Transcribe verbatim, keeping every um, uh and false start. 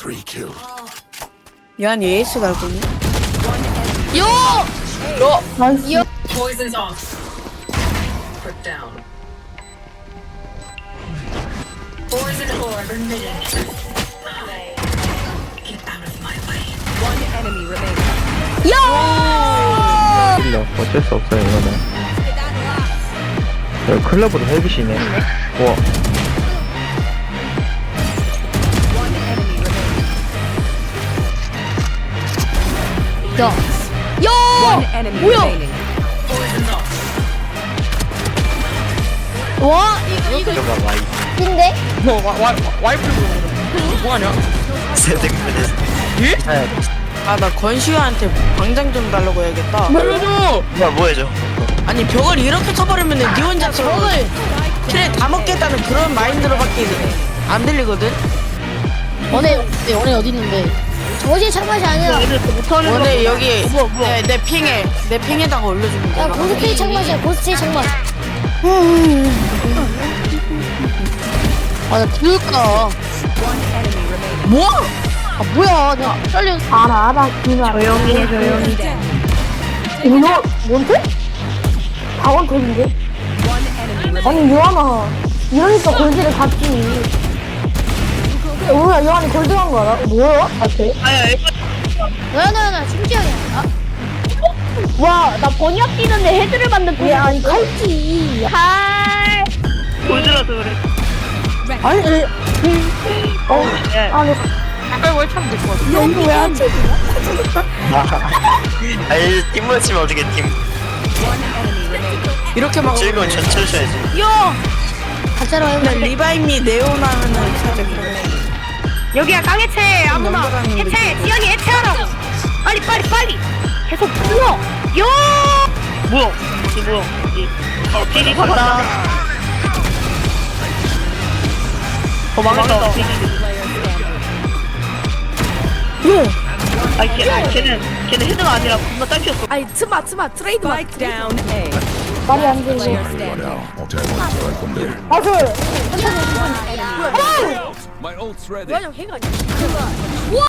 Three killed. 야한 에이스 갈거니? 요! 너! 나이스. 요! Poison's off. Put down. Poison orb emitted. Get out of my way. One enemy remaining. 야! 힐러 어쩔 수 없어요 이거는. 여기 클럽으로 헬빗이네. 우와. One enemy remaining. 야! One 야! enemy 뭐야? remaining. Poison's off. 와! 이거 이거 들어가 와이. 인데? 뭐, 와, 와, 와이프 뭐하냐? 세대급에서. 예? 네. 아, 나 건시아한테 광장 좀 달라고 해야겠다. 뭐야 뭐 해줘. 아니, 벽을 이렇게 쳐버리면 니 혼자 벽을 트레 다 먹겠다는 그런 마인드로밖에 안 들리거든? 원해 원해 어디 있는데? 저지 참맛이 아니라. 원래 여기 내, 내 핑에, 내 핑에다가 올려주면 돼. 야, 고스트의 참맛이야, 고스트의 참맛. 아, 나 들을까? 뭐? 아, 뭐야? 내가 잘려. 알아, 알아, 그만. 조용히 해, 조용히 해. 이거, 뭔데? 다원 돌인데? One enemy remaining. 아니, 요한아. 이러니까 골드를 갔지. 뭐야, 요한이 골드 간 거 알아? 뭐야? 아, 돼? 너야, 너야, 나 심지어야. 아, 와, 나 번역 뛰는데 헤드를 받는 야, 아니, 칼지. 칼. 골드라서 그래. 아니, 어, 아니, 가까이 월참 될것 같아. 이거 왜안 쳐? 아니 팀 맞추면 어떻게 팀. One enemy remaining. 이렇게 막. 즐거운 전철 쳐야지. 야! 가짜로 근데 해보자. 리바임이 네오나면은 살짝 그래. 여기야 깡해체 아무나 남자라는 해체 느낌이 지연이 해체하라고. 빨리 빨리 빨리. 계속 불러. 요. 뭐야? 이 뭐야? 이 어, 비리 간다. 어 망했다. 비리. 아 걔, 걔는 걔는 헤드가 아니라 겁나 짧혔어. 아니, 트마, 트마, 트레이드 마. Spike down A. 말이 안 되지. Player standing. 아, 그, 뭐야, 형 해가 아니야.